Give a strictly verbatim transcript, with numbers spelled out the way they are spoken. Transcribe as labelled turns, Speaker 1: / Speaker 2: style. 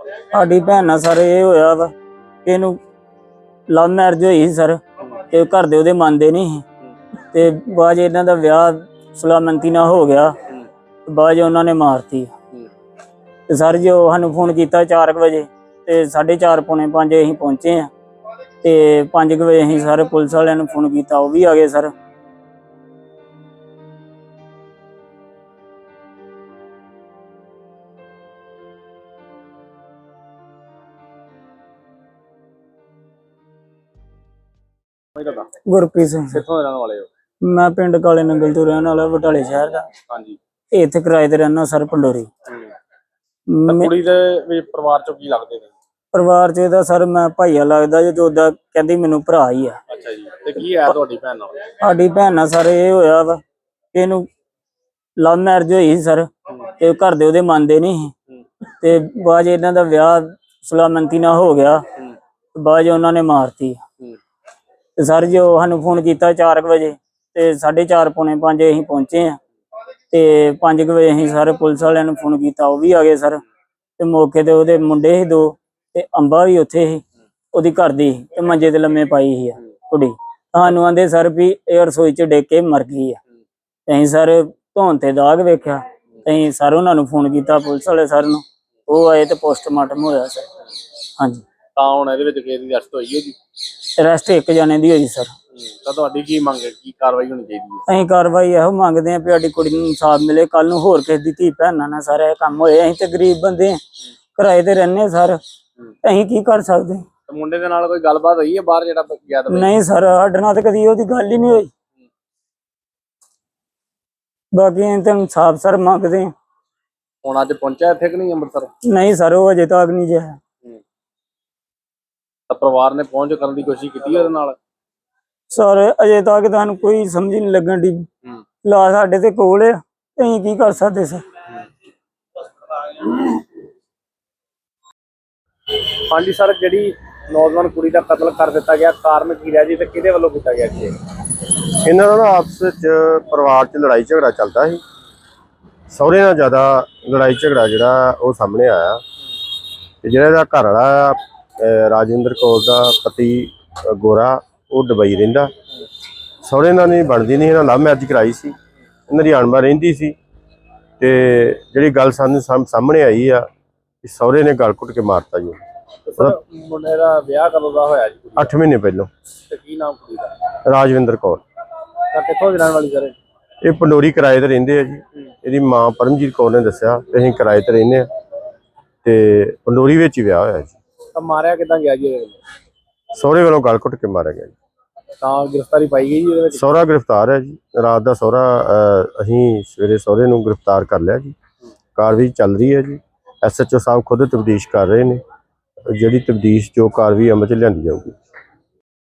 Speaker 1: ਸਾਡੀ ਭੈਣ ਨਾਲ ਸਰ ਇਹ ਹੋਇਆ ਵਾ ਕਿ ਇਹਨੂੰ ਲਵ ਮੈਰਿਜ ਹੋਈ ਸੀ ਸਰ, ਤੇ ਘਰ ਦੇ ਉਹਦੇ ਮੰਨਦੇ ਨਹੀਂ ਸੀ, ਤੇ ਬਾਅਦ 'ਚ ਇਹਨਾਂ ਦਾ ਵਿਆਹ ਸੁਲਾਮੰਤੀ ਨਾਲ ਹੋ ਗਿਆ, ਬਾਅਦ 'ਚ ਉਹਨਾਂ ਨੇ ਮਾਰਤੀ। ਤੇ ਸਰ ਜੋ ਸਾਨੂੰ ਫੋਨ ਕੀਤਾ ਚਾਰ ਕੁ ਵਜੇ, ਤੇ ਸਾਢੇ ਚਾਰ ਪੌਣੇ ਪੰਜ ਅਸੀਂ ਪਹੁੰਚੇ ਆ, ਤੇ ਪੰਜ ਕੁ ਵਜੇ ਅਸੀਂ ਸਾਰੇ ਪੁਲਿਸ ਵਾਲਿਆਂ ਨੂੰ ਫੋਨ ਕੀਤਾ, ਉਹ ਵੀ ਆ ਗਏ ਸਰ। ਗੁਰਪ੍ਰੀਤ ਸਿੰਘ।
Speaker 2: ਕਿੱਥੋਂ ਦੇ ਰਹਿਣ ਵਾਲੇ ਹੋ?
Speaker 1: ਮੈਂ ਪਿੰਡ ਕਾਲੇ ਨੰਗਲ ਤੋਂ ਰਹਿਣ ਵਾਲਾ, ਬਟਾਲੇ ਸ਼ਹਿਰ ਦਾ।
Speaker 2: ਹਾਂਜੀ।
Speaker 1: ਇੱਥੇ ਕਿਰਾਏ ਤੇ ਰਹਿਣਾ ਸਰ, ਪੰਡੋਰੀ।
Speaker 2: ਕੁੜੀ ਦੇ ਵੀ ਪਰਿਵਾਰ ਚੋਂ ਕੀ ਲੱਗਦੇ ਨੇ?
Speaker 1: ਪਰਿਵਾਰ ਚ ਇਹਦਾ ਸਰ ਮੈਂ ਭਾਈਆ ਲੱਗਦਾ, ਜਦੋਂ ਉਹਦਾ ਕਹਿੰਦੀ ਮੈਨੂੰ ਭਰਾ ਹੀ ਆ।
Speaker 2: ਅੱਛਾ ਜੀ। ਤੇ ਕੀ ਹੈ ਤੁਹਾਡੀ ਭੈਣ ਨਾਲ?
Speaker 1: ਸਾਡੀ ਭੈਣ ਨਾਲ ਸਰ ਇਹ ਹੋਇਆ ਵਾ ਕਿ ਇਹਨੂੰ ਲਵ ਮੈਰਿਜ ਹੋਈ ਸੀ ਸਰ, ਤੇ ਘਰ ਦੇ ਉਹਦੇ ਮੰਨਦੇ ਨਹੀਂ ਸੀ, ਤੇ ਬਾਅਦ 'ਚ ਇਹਨਾਂ ਦਾ ਵਿਆਹ ਸੁਲਾਮੰਤੀ ਨਾਲ ਹੋ ਗਿਆ, ਬਾਅਦ 'ਚ ਉਹਨਾਂ ਨੇ ਮਾਰਤੀ। ਤੇ ਸਰ ਜੋ ਸਾਨੂੰ ਫੋਨ ਕੀਤਾ ਚਾਰ ਕੁ ਵਜੇ, ਤੇ ਸਾਢੇ ਚਾਰ ਪੌਣੇ ਪੰਜ ਅਸੀਂ ਪਹੁੰਚੇ ਆ, ਤੇ ਪੰਜ ਕੁ ਵਜੇ ਅਸੀਂ ਸਾਰੇ ਪੁਲਿਸ ਵਾਲਿਆਂ ਨੂੰ ਫੋਨ ਕੀਤਾ, ਉਹ ਵੀ ਆ ਗਏ ਸਰ। ਤੇ ਮੌਕੇ ਤੇ ਉਹਦੇ ਮੁੰਡੇ ਸੀ ਦੋ, ਤੇ ਅੰਬਾ ਵੀ ਉੱਥੇ ਸੀ, ਉਹਦੀ ਘਰ ਦੀ, ਤੇ ਮੰਜੇ ਤੇ ਲੰਮੇ ਪਾਈ ਸੀ ਕੁੜੀ। ਸਾਨੂੰ ਆਂਦੇ ਸਰ ਵੀ ਇਹ ਰਸੋਈ ਚ ਡਿੱਗ ਕੇ ਮਰ ਗਈ ਆ। ਤੇ ਅਸੀਂ ਸਰ ਧੌਣ ਤੇ ਦਾਗ ਵੇਖਿਆ, ਤੇ ਅਸੀਂ ਸਰ ਉਹਨਾਂ ਨੂੰ ਫੋਨ ਕੀਤਾ, ਪੁਲਿਸ ਵਾਲੇ ਸਰ ਨੂੰ, ਉਹ ਆਏ ਤੇ ਪੋਸਟਮਾਰਟਮ ਹੋਇਆ ਸਰ। ਹਾਂਜੀ।
Speaker 2: ਤਾਂ ਹੁਣ ਇਹਦੇ ਵਿੱਚ ਕਿਹਦੀ ਅਰੈਸਟ ਹੋਈ ਹੈ ਜੀ?
Speaker 1: ਅਰੈਸਟ ਇੱਕ ਜਣੇ ਦੀ ਹੋਈ ਸਰ।
Speaker 2: ਤਾਂ ਤੁਹਾਡੀ ਕੀ ਮੰਗ ਹੈ, ਕੀ ਕਾਰਵਾਈ ਹੋਣੀ ਚਾਹੀਦੀ ਹੈ?
Speaker 1: ਅਸੀਂ ਕਾਰਵਾਈ ਇਹੋ ਮੰਗਦੇ ਹਾਂ ਵੀ ਸਾਡੀ ਕੁੜੀ ਨੂੰ ਇਨਸਾਫ ਮਿਲੇ, ਕੱਲ ਨੂੰ ਹੋਰ ਕਿਸੇ ਦੀ ਧੀ ਭੈਣਾਂ ਨਾਲ ਸਾਰਾ ਇਹ ਕੰਮ ਹੋਏ। ਅਸੀਂ ਤੇ ਗਰੀਬ ਬੰਦੇ ਹਾਂ, ਕਿਰਾਏ ਤੇ ਰਹਿੰਦੇ ਸਰ, ਅਸੀਂ ਕੀ ਕਰ ਸਕਦੇ?
Speaker 2: ਮੁੰਡੇ ਦੇ ਨਾਲ ਕੋਈ ਗੱਲਬਾਤ ਹੋਈ ਹੈ ਬਾਹਰ ਜਿਹੜਾ ਗਿਆ?
Speaker 1: ਨਹੀਂ ਸਰ, ਸਾਡੇ ਨਾਲ ਤਾਂ ਕਦੀ ਉਹਦੀ ਗੱਲ ਹੀ ਨਹੀਂ ਹੋਈ। ਬਾਕੀ ਅਸੀਂ ਤਾਂ ਇਨਸਾਫ ਸਰ ਮੰਗਦੇ ਹਾਂ।
Speaker 2: ਹੁਣ ਅੱਜ ਪਹੁੰਚਿਆ ਇੱਥੇ ਕਿ ਨਹੀਂ ਅੰਮ੍ਰਿਤਸਰ?
Speaker 1: ਨਹੀਂ ਸਰ, ਉਹ ਅਜੇ ਤੱਕ ਨਹੀਂ ਜਿਆ।
Speaker 2: ਤਾਂ ਪਰਿਵਾਰ ਨੇ ਪਹੁੰਚ ਕਰਨ ਦੀ ਕੋਸ਼ਿਸ਼ ਕੀਤੀ ਉਹਦੇ ਨਾਲ?
Speaker 1: ਸਰ ਅਜੇ ਤੱਕ ਤੁਹਾਨੂੰ ਕੋਈ ਸਮਝ ਨਹੀਂ ਲੱਗਣ ਦੀ। ਲਾ ਸਾਡੇ ਤੇ ਕੋਲ ਆ, ਅਸੀਂ ਕੀ ਕਰ ਸਕਦੇ ਸਰ?
Speaker 2: ਹਾਂਜੀ ਸਰ, ਜਿਹੜੀ ਨੌਜਵਾਨ ਕੁੜੀ ਦਾ ਕਤਲ ਕਰ ਦਿੱਤਾ ਗਿਆ, ਕਾਰਨ ਕੀ ਰਿਹਾ ਜੀ, ਤੇ ਕਿਹਦੇ ਵੱਲੋਂ ਕੀਤਾ ਗਿਆ ਜੀ?
Speaker 3: ਇਹਨਾਂ ਦਾ ਨਾ ਆਪਸ ਵਿੱਚ ਪਰਿਵਾਰ 'ਚ ਲੜਾਈ ਝਗੜਾ ਚੱਲਦਾ ਸੀ। ਸਹੁਰੇ ਨਾਲ ਜ਼ਿਆਦਾ ਲੜਾਈ ਝਗੜਾ ਜਿਹੜਾ ਉਹ ਸਾਹਮਣੇ ਆਇਆ, ਤੇ ਜਿਹੜਾ ਇਹਦਾ ਘਰ ਵਾਲਾ ਰਾਜਿੰਦਰ ਕੌਰ ਦਾ ਪਤੀ ਗੋਰਾ, ਉਹ ਦੁਬਈ ਰਹਿੰਦਾ। ਸਹੁਰੇ ਨਾਲ ਨਹੀਂ ਬਣਦੀ ਨਹੀਂ, ਇਹਨਾਂ ਲਵ ਮੈਰਿਜ ਕਰਾਈ ਸੀ, ਇਹਨਾਂ ਦੀ ਅਣਬਣ ਰਹਿੰਦੀ ਸੀ। ਤੇ ਜਿਹੜੀ ਗੱਲ ਸਾਨੂੰ ਸਾਹਮਣੇ ਆਈ ਆ ਕਿ ਸਹੁਰੇ ਨੇ ਗਲ ਘੁੱਟ ਕੇ ਮਾਰਤਾ ਜੀ।
Speaker 2: ਮੁੰਡੇ ਦਾ ਵਿਆਹ ਕਦੋਂ ਦਾ ਹੋਇਆ ਜੀ?
Speaker 3: ਅੱਠ ਮਹੀਨੇ ਪਹਿਲਾਂ।
Speaker 2: ਤੇ ਕੀ ਨਾਮ ਕੁੜੀ ਦਾ?
Speaker 3: ਰਾਜਵਿੰਦਰ ਕੌਰ।
Speaker 2: ਤਾਂ ਕਿੱਥੋਂ ਦੀ ਰਹਿਣ ਵਾਲੀ ਸਰ?
Speaker 3: ਇਹ ਪੰਡੋਰੀ ਕਿਰਾਏ ਤੇ ਰਹਿੰਦੇ ਆ ਜੀ। ਇਹਦੀ ਮਾਂ ਪਰਮਜੀਤ ਕੌਰ ਨੇ ਦੱਸਿਆ ਕਿ ਅਸੀਂ ਕਿਰਾਏ ਤੇ ਰਹਿੰਦੇ ਆ, ਤੇ ਪੰਡੋਰੀ ਵਿੱਚ ਹੀ ਵਿਆਹ ਹੋਇਆ ਜੀ।
Speaker 2: ਤਾਂ ਮਾਰਿਆ ਕਿੱਦਾਂ ਗਿਆ ਜੀ?
Speaker 3: ਸਹੁਰੇ ਵੱਲੋਂ ਗਲ ਘੁੱਟ ਕੇ ਮਾਰਿਆ ਗਿਆ ਜੀ।
Speaker 2: ਤਾਂ ਗ੍ਰਿਫਤਾਰੀ ਪਾਈ ਗਈ ਜੀ ਇਹਦੇ ਵਿੱਚ?
Speaker 3: ਸਹੁਰਾ ਗ੍ਰਿਫਤਾਰ ਹੈ ਜੀ। ਰਾਤ ਦਾ ਸਹੁਰਾ ਅਸੀਂ ਸਵੇਰੇ ਸਹੁਰੇ ਨੂੰ ਗ੍ਰਿਫਤਾਰ ਕਰ ਲਿਆ ਜੀ। ਕਾਰਵਾਈ ਚੱਲ ਰਹੀ ਹੈ ਜੀ। ਐਸ ਐਚ ਓ ਸਾਹਿਬ ਖੁਦ ਤਬਦੀਸ਼ ਕਰ ਰਹੇ ਨੇ, ਜਿਹੜੀ ਤਬਦੀਸ਼ ਜੋ ਕਾਰਵਾਈ ਅਮਲ 'ਚ ਲਿਆਂਦੀ ਜਾਊਗੀ।